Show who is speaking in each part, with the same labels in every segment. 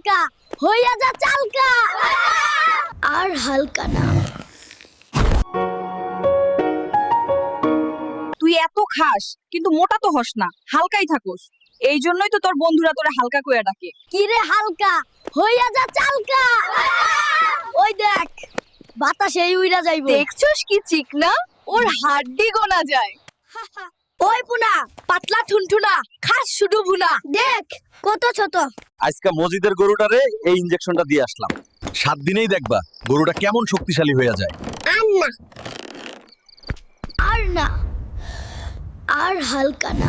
Speaker 1: হালকা হইয়া যা চালকা আর হালকা না।
Speaker 2: তুই এত খাস কিন্তু মোটা তো হস না, হালকাই থাকোস। এই জন্যই তো তোর বন্ধুরা তোরে হালকা কইয়া ডাকে।
Speaker 1: কি রে হালকা হইয়া যা চালকা, ওই দেখ বাতাসেই উইরা যাইবো।
Speaker 2: দেখছস কি চিকনা, ওর হাড্ডি গোনা যায়।
Speaker 1: ওই পুনা পাতলা ঠুনঠুনা খাস শুধু ভুনা, দেখ কত ছোট।
Speaker 3: আজকে মজিদের গরুটারে এই ইনজেকশনটা দিয়ে আসলাম। 7 দিনেই দেখবা গরুটা কেমন শক্তিশালী হয়ে যায়।
Speaker 1: আর না আর না আর হালকা না।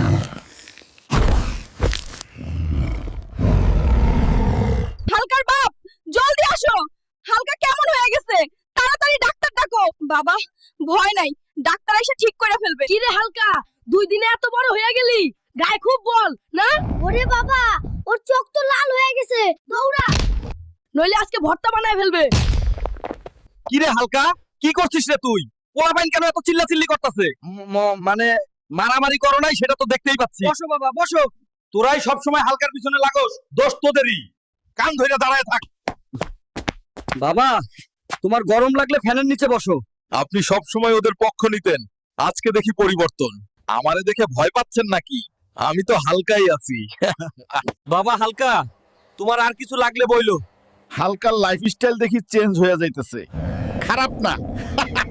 Speaker 2: হালকার বাপ জলদি আসো, হালকা কেমন হয়ে গেছে, তাড়াতাড়ি ডাক্তার ডাকো। বাবা ভয় নাই, ডাক্তার এসে ঠিক করে ফেলবে।
Speaker 1: কি রে হালকা 2 দিনে এত বড় হয়ে গেলি, গায়ে খুব বল না? ওরে বাবা ওর চোখ তো লাল হয়ে গেছে, দৌড়া নইলে আজকে ভর্তা বানায় ফেলবে।
Speaker 3: কি রে হালকা, কি করছিস রে তুই? পোলাপাইন কেন এত চিল্লাচিল্লি করতেছে? মানে মারামারি করো নাই সেটা তো দেখতেই পাচ্ছি। বসো বাবা বসো, তোরাই সব সময় হালকার পিছনে লাগোস, দোষ তোদেরই। কান ধরে দাঁড়ায় থাক। বাবা তোমার গরম লাগলে ফ্যানের নিচে বসো। আপনি সব সময় ওদের পক্ষ নিতেন, আজকে দেখি পরিবর্তন। আমারে দেখে ভয় পাচ্ছেন নাকি? আমি তো হালকাই আছি। বাবা হালকা, তোমার আর কিছু লাগলে বইলো।
Speaker 4: হালকার লাইফস্টাইল দেখি চেঞ্জ হয়ে যাইতেছে, খারাপ না।